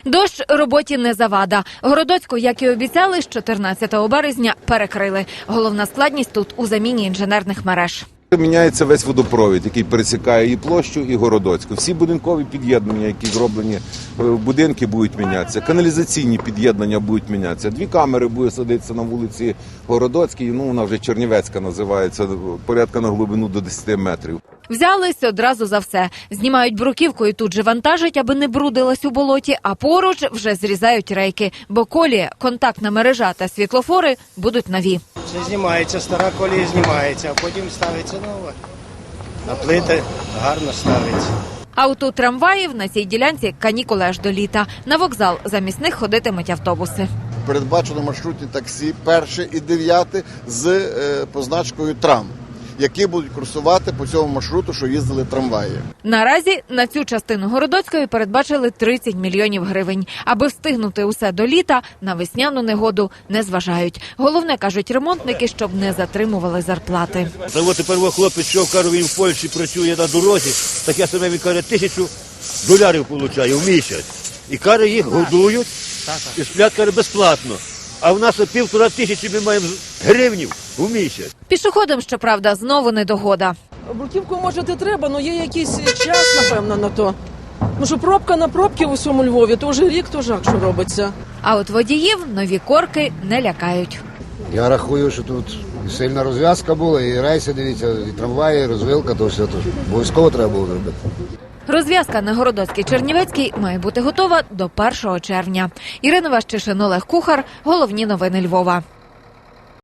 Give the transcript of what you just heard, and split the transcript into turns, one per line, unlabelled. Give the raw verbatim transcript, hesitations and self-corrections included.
Дощ роботі не завада. Городоцьку, як і обіцяли, з чотирнадцятого березня перекрили. Головна складність тут у заміні інженерних мереж.
Міняється весь водопровід, який пересікає і площу, і Городоцьку. Всі будинкові під'єднання, які зроблені в будинки, будуть мінятися. Каналізаційні під'єднання будуть мінятися. Дві камери будуть садитися на вулиці Городоцькій, ну вона вже Чернівецька називається, порядка на глибину до десяти метрів.
Взялись одразу за все. Знімають бруківку і тут же вантажать, аби не брудилась у болоті, а поруч вже зрізають рейки. Бо колія, контактна мережа та світлофори будуть нові.
Все знімається, стара колія знімається, а потім ставиться нова. А плити гарно ставиться.
А от у трамваїв на цій ділянці канікули аж до літа. На вокзал замість них ходитимуть автобуси.
Передбачено маршрутні таксі перше і дев'яте з е, позначкою «Трам», які будуть курсувати по цьому маршруту, що їздили трамваї.
Наразі на цю частину Городоцької передбачили тридцять мільйонів гривень. Аби встигнути усе до літа, на весняну негоду не зважають. Головне, кажуть ремонтники, щоб не затримували зарплати.
Та от тепер хлопець, що каже, він в Польщі працює на дорозі, так я саме, він каже, тисячу доларів отримує в місяць. І каже, їх годують, і сплять, каже, безплатно. А в нас півтора тисячі ми маємо гривнів у місяць.
Пішоходам, щоправда, знову недогода.
Бруківку, може, і треба, але є якийсь час, напевно, на то. Ну, що пробка на пробки в усьому Львові, то вже рік, то жах, що робиться.
А от водіїв нові корки не лякають.
Я рахую, що тут сильна розв'язка була, і рейси, дивіться, і трамваї, і розвилка, то все. То обов'язково треба було зробити.
Розв'язка на Городоцькій-Чернівецькій має бути готова до першого червня. Ірина Ващишин, Олег Кухар. Головні новини Львова.